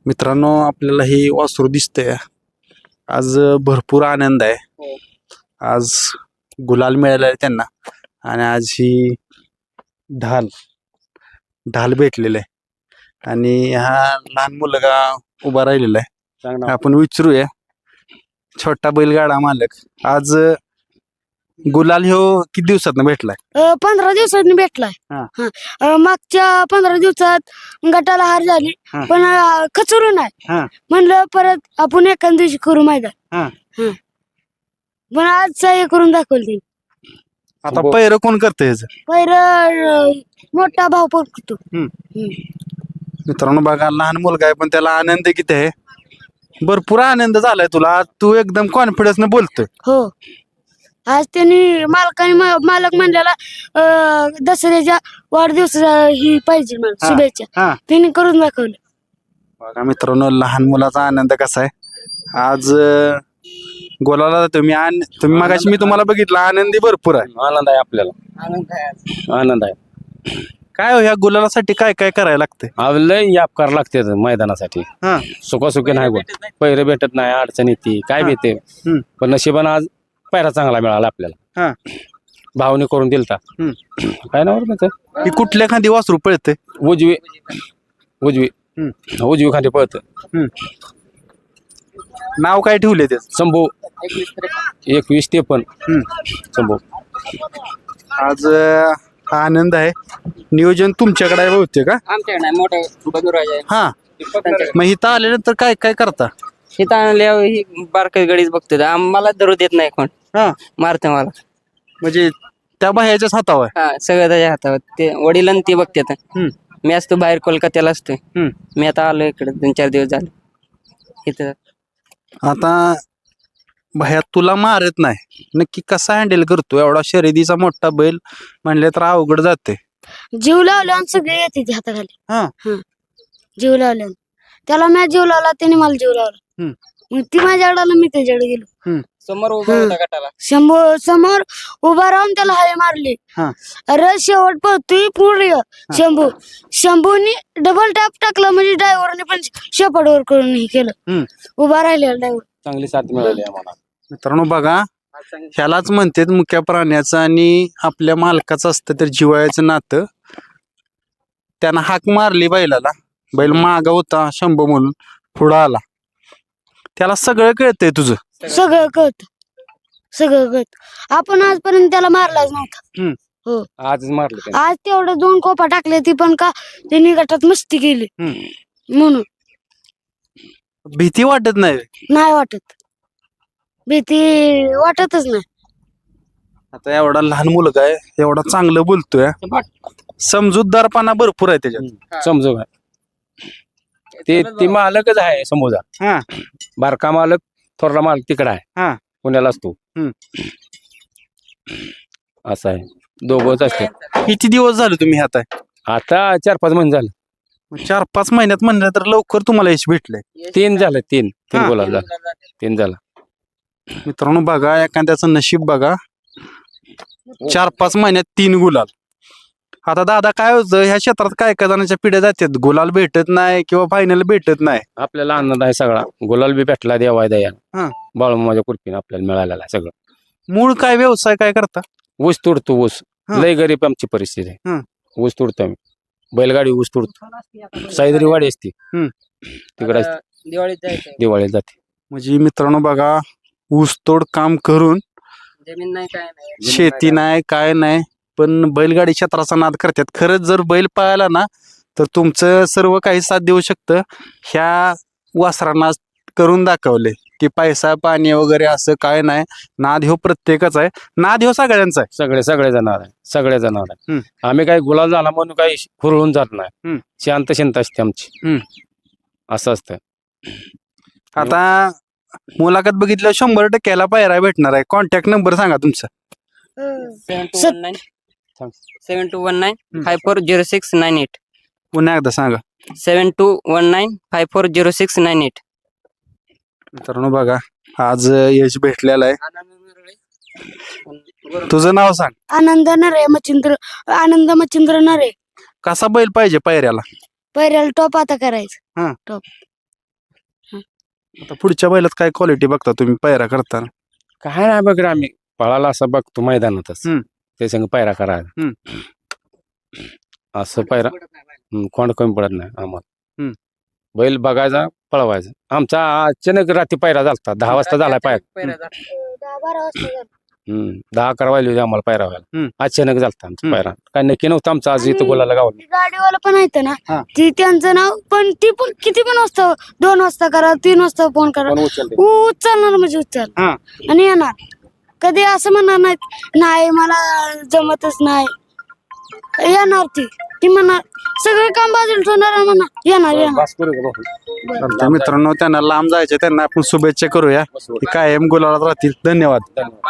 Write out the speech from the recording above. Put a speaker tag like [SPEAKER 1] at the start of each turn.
[SPEAKER 1] मित्रांनो, आपल्याला ही वासरू दिसतंय. आज भरपूर आनंद आहे. आज गुलाल मिळाला आहे त्यांना आणि आज ही ढाल ढाल भेटलेला आहे आणि हा लहान मुलगा उभा राहिलेला आहे. आपण विचारूया, छोटा बैलगाडा मालक, आज गुलाल ह्यो किती दिवसात भेटलाय?
[SPEAKER 2] 15 दिवसांनी भेटलाय. मागच्या 15 दिवसात गटाला हार झाली, पण खचरून आहे. म्हणलं परत आपण एखाद दिवशी करू मैदान. पण आज हे करून दाखवली.
[SPEAKER 1] आता पैर कोण करते ह्याचं?
[SPEAKER 2] पहिलं मोठा भाऊ करतो.
[SPEAKER 1] मित्रांनो बघा, लहान मुलगा आहे पण त्याला आनंद किती आहे. भरपूर आनंद झालाय तुला. तू एकदम कॉन्फिडन्स न बोलतोय.
[SPEAKER 2] हो, आज त्यांनी मालक म्हणलेला दसऱ्याच्या वाढदिवसाला ही पाहिजे मला शुभेच्छा. त्यांनी करून दाखवलं.
[SPEAKER 1] बघा मित्रांनो, लहान मुलाचा आनंद कसा आहे. आज गोलाला तुम्ही मागाशी मी तुम्हाला बघितलं, आनंदी भरपूर आहे.
[SPEAKER 3] आनंद आहे आपल्याला, आनंद आहे.
[SPEAKER 1] काय हो, ह्या गुलालासाठी काय काय करायला लागते?
[SPEAKER 3] लय याप करावं लागते मैदानासाठी. सुखासुखी नाही गोट, पैरे भेटत नाही, अडचण येते, काय भेटते. पण नशिबानं आज पैरा चांगला मिळाला आपल्याला. भावने करून दिलता. काय नाव
[SPEAKER 1] ही कुठल्या खांदी वासरू पळते?
[SPEAKER 3] उजवी उजवी उजवी खाली पळत.
[SPEAKER 1] नाव काय ठेवले ते?
[SPEAKER 3] शंभू 21-53 शंभू.
[SPEAKER 1] आज आनंद आहे. नियोजन तुमच्याकडे आहे बहुतेक का?
[SPEAKER 4] आमच्याकडे नाही, मोठं बंधुराज आहे.
[SPEAKER 1] हा, मग इथं आल्यानंतर काय काय करता?
[SPEAKER 4] इथं आणल्यावर ही बारकाई गडीच बघतो. आम्हाला धरू देत नाही कोण. मारते मला.
[SPEAKER 1] म्हणजे त्या बाह्याच्याच हातावर?
[SPEAKER 4] हा, सगळं त्याच्या हातावर. ते वडील आणि ते बघतात. मी असतो बाहेर कोलकात्याला असतोय. मी आता आलो इकडे 2-4 दिवस झाले इथं.
[SPEAKER 1] आता भया तुला मारत नाही, नक्की कसा हँडल करतो? एवढा शर्यतीचा मोठा बैल म्हणले तर अवघड जाते.
[SPEAKER 2] जीव लावला आणि सगळे येते ते हाताखाली. जीव लावला, त्याला मी जीव लावला, त्याने मला जीव लावला. मग ती माझ्याकडे आला, मी त्याच्याकडे गेलो.
[SPEAKER 4] समोर उभा होता गटाला.
[SPEAKER 2] समोर उभा राहून त्याला हाय मारली. अरे शेवट पळतोय पुढे शंभूनी डबल टॅप टाकला, म्हणजे ड्रायव्हरने पण शेपटवर करून हे केलं. उभा राहिलेला ड्रायव्हर.
[SPEAKER 3] चांगली साथ मिळाली आम्हाला.
[SPEAKER 1] मित्रांनो बघा, ह्यालाच म्हणतात मुक्या प्राण्याचं आणि आपल्या मालकाचं असतं तर जिव्हाळ्याचं नातं. त्यानं हाक मारली बैलाला, बैल मागा होता शंभू म्हणून, पुढं आला. त्याला सगळं कळतंय तुझं?
[SPEAKER 2] सगळं कळत. आपण आजपर्यंत त्याला मारलाच नव्हता. हो,
[SPEAKER 3] आजच मारलं.
[SPEAKER 2] आज तेवढं 2 कोपा टाकले, ती पण का त्यांनी गटात मस्ती केली म्हणून.
[SPEAKER 1] भीती वाटत नाही?
[SPEAKER 2] नाही वाटत, भीती वाटतच नाही.
[SPEAKER 1] आता एवढा लहान मुलगा आहे, एवढा चांगलं बोलतोय, समजूतदारपणा भरपूर आहे त्याच्यात.
[SPEAKER 3] समजू काय ते मालकच आहे समोजा. बारका मालक, थोरला मालक तिकडे आहे, पुण्याला असतो. असं आहे, दोघंच असतात.
[SPEAKER 1] किती दिवस झाले तुम्ही हात आहे?
[SPEAKER 3] आता 4-5 महिने झालं.
[SPEAKER 1] 4-5 महिन्यात म्हणलं तर लवकर तुम्हाला यश भेटलंय.
[SPEAKER 3] 3 झालं. 3 बोला 3 झालं.
[SPEAKER 1] मित्रांनो बघा, एखाद्याचं नशीब बघा, 4-5 महिन्यात 3 गुलाल. आता दादा काय होतं, ह्या क्षेत्रात काय काय जणांच्या पिढ्या जातात, गुलाल भेटत नाही किंवा फायनल भेटत नाही.
[SPEAKER 3] आपल्याला आनंद आहे सगळा. गुलाल बी भेटला देवाय दया, बाळूमामाच्या कृपेने आपल्याला मिळालेला आहे सगळं.
[SPEAKER 1] मूळ काय व्यवसाय काय करता?
[SPEAKER 3] ऊस तोडतो. ऊस लय गरीब आमची परिस्थिती आहे. ऊस तोडतो आम्ही, बैलगाडी ऊस तोडतो. साईदरी वाडी असते तिकडे, दिवाळीत जाते.
[SPEAKER 1] म्हणजे मित्रांनो बघा, ऊसतोड काम करून
[SPEAKER 4] जमीन नाही, काय नाही,
[SPEAKER 1] शेती नाही, काय नाही, पण बैलगाडी क्षेत्राचा नाद करतात. खरंच जर बैल पाळला ना तर तुमचं सर्व काही साथ देऊ शकतं. ह्या वासरांना करून दाखवले की पैसा पाणी वगैरे असं काय नाही. नाद ह्यो प्रत्येकाचा आहे, नाद ह्यो सगळ्यांचा आहे.
[SPEAKER 3] सगळे जनावर आहे. आम्ही काही गुलाल झाला म्हणून काही हुरळून जात नाही. शांत असते आमची. असं असतं.
[SPEAKER 1] आता मुलाखत बघितलं 100% पायरा भेटणार आहे. कॉन्टॅक्ट नंबर सांगा तुमचा.
[SPEAKER 4] 7219-540698.
[SPEAKER 1] पुन्हा एकदा सांगा.
[SPEAKER 4] 7219-540698.
[SPEAKER 1] मित्रांनो बघा, आज यश भेटलेला आहे. तुझं नाव सांग.
[SPEAKER 2] आनंद मच्छिंद्र नरे.
[SPEAKER 1] कसा बैल पाहिजे पायऱ्याला?
[SPEAKER 2] पैऱ्याला टॉप आता करायचं. टॉप
[SPEAKER 1] आता पुढच्या बैलात काय क्वालिटी बघता तुम्ही पायरा करताना?
[SPEAKER 3] काय नाही बघ रे, आम्ही पळाला असं बघतो मैदानातच
[SPEAKER 1] हम्म.
[SPEAKER 3] ते संग पायरा करायला असं पायरा कोण कमी पडत नाही आम्हाला. बैल बघायचा पळवायचा. आमचा अचानक रात्री पायरा झालता 10 वाजता झालाय पायरा.
[SPEAKER 2] 10-12 वाजता झालं.
[SPEAKER 3] 10-11 वाजले होते आम्हाला पायरा व्हायला.
[SPEAKER 1] हम्म.
[SPEAKER 3] अचानक झालता आमचा पायरा. काय नक्की नव्हतं आमचं आज इथं बोलायला गावाला.
[SPEAKER 2] ती गाडीवाला पण आहेत
[SPEAKER 1] हा.
[SPEAKER 2] ना ती त्यांचं नाव पण ती पण किती पण वाजता 2 वाजता करा 3 वाजता फोन करा
[SPEAKER 3] कोण उचलते?
[SPEAKER 2] उचलणार म्हणजे उचल
[SPEAKER 1] हा.
[SPEAKER 2] आणि येणार. कधी असं म्हणणार नाहीत नाही मला जमतच नाही. येणार ती म्हणणार सगळं काम बाजूला ठेवणार म्हणणार येणार.
[SPEAKER 3] बस करू का भाऊ?
[SPEAKER 1] चालतंय मित्रांनो, त्यांना लांब जायचे त्यांना आपण शुभेच्छा करूया. ते कायम गुलालात राहतील. धन्यवाद.
[SPEAKER 3] धन्यवाद.